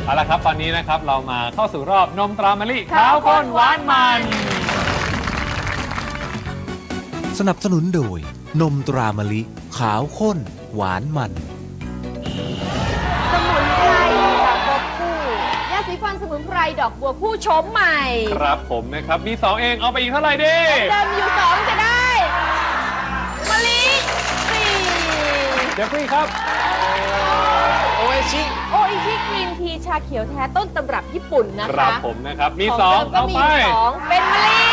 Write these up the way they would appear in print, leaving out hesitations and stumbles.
เอาละครับตอนนี้นะครับเรามาเข้าสู่รอบนมตรามะลิขาวข้นหวานมันสนับสนุนโดยนมตรามะลิขาวข้นหวานมันสมุนไพรดอกบัวคู่ยาสีฟันสมุนไพรดอกบัวคู่โฉมใหม่ครับผมนะครับมี2เองเอาไปอีกเท่าไหร่ดีเดิมอยู่2จะได้มะลิ4 เดี๋ยวพี่ครับโอเอชิโออิชิกรีนทีชาเขียวแท้ต้นตำรับญี่ปุ่นนะครัคะบผมนะครับมีของ 2 เดิมก็เอามีไปอยู่2เป็นมะลิ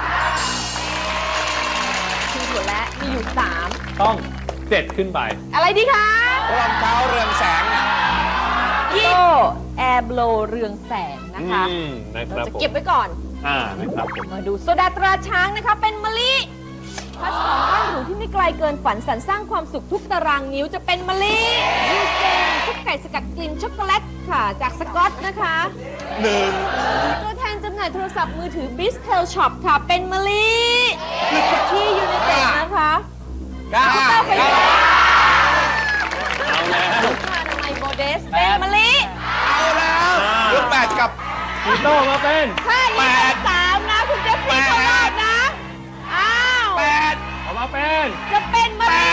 คือถั่วและมีอยู่3 ต้อง7ขึ้นไปอะไรดีคะรองเท้าเรืองแสงเนี่ยโตแอร์โบลเรืองแสงนะคะนะคเรารับจะผมเก็บไว้ก่อนนะครับผมมาดูโซดาตราช้างนะคะเป็นมะลิพัดสองบ้านหรูที่ไม่ไกลเกินฝันสรรสร้างความสุขทุกตารางนิ้วจะเป็นมะลิยูเจนคุกไก่สกัดกลิ่นช็อกโกแลตค่ะ จากสกอตนะคะตัวแทนจำหน่ายโทรศัพท์มือถือ b i s t e l Shop ค่ะ เป็นมะลิลิคที่ยูเนเต็ดนะคะก้าเต้าไฟฟ้าเอาแล้วผ้าอนามัยโมเดสเป็นมะลิเอาแล้วรุ่นแปดกับพี่โตมาเป็นถ้านี้เป็น3นะคุณเจฟฟี่เข้ารอบนะอ้าวแปดเอามาเป็นจะเป็นมะลิ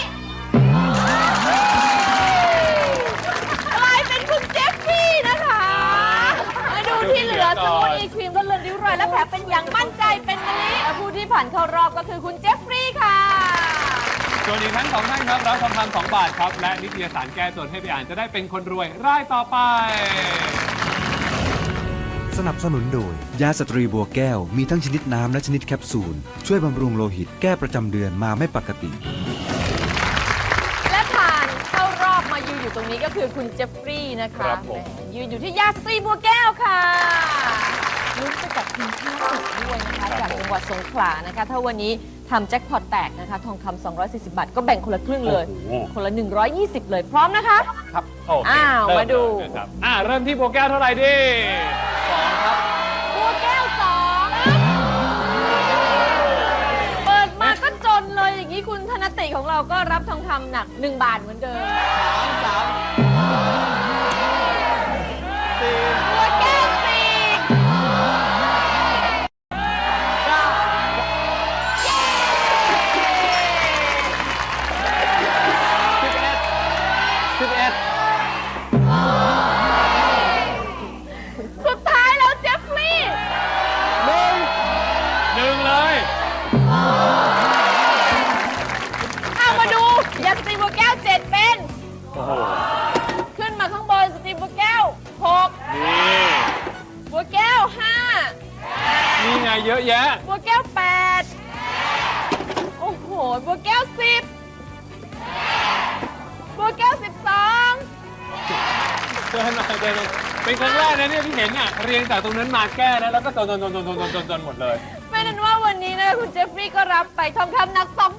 กลายเป็นคุณเจฟฟี่นะคะมาดูที่เหลือสมุนอีครีมลดเลือนริ้วรอยและแผลเป็นอย่างมั่นใจเป็นมะลิและผู้ที่ผ่านเข้ารอบก็คือคุณเจฟฟี่ค่ะส่วนอีกทั้ง2ท่านครับรับทองคำ2 บาทครับและนิตยสารแก้จนให้ไปอ่านจะได้เป็นคนรวยรายต่อไปสนับสนุนโดย ยาสตรีบัวแก้วมีทั้งชนิดน้ำและชนิดแคปซูล ช่วยบำรุงโลหิตแก้ประจำเดือนมาไม่ปกติและผ่านเข้ารอบมายืนอยู่ตรงนี้ก็คือคุณเจฟฟรีย์นะคะครับผมแหมยืนอยู่ที่ยาสตรีบัวแก้วค่ะลุ้นไปกับทีมชาติด้วยนะคะจากจังหวัดสงขลานะคะ ถ้าวันนี้ทำแจ็คพอตแตกนะคะ ทองคำ240 บาท ก็แบ่งคนละครึ่งเลยโอ้โหคนละ 120 เลยพร้อมนะคะครับโอเคอ้าวเริ่มาดูเลยนะครับเริ่มที่โบแก้วเท่าไหร่ดี2ครับบัวแก้ว2เปิดมาก็จนเลยอย่างนี้คุณธนติของเราก็รับทองคำหนัก 1 บาทเหมือนเดิมบัวแก้ว4 สุดท้ายแล้วเจฟฟรีย์ 1เลยมาดูยาสตรีบัวแก้ว7เป็นโอ้โหขึ้นมาข้างบนสตรีบัวแก้ว6 นี่บัวแก้วนี่ไงเยอะแยะ 5บัวแก้ว8โอ้โหบัวแก้ว10บัวแก้ว12 เดินมาเดินมาเป็นครั้งแรกนะเนี่ยที่เห็นเรียงจากตรงนั้นมาแก้นะแล้วก็จนหมดเลยไม่นั้นว่าวันนี้นะคุณเจฟฟรีย์ก็รับไปทองคำหนัก2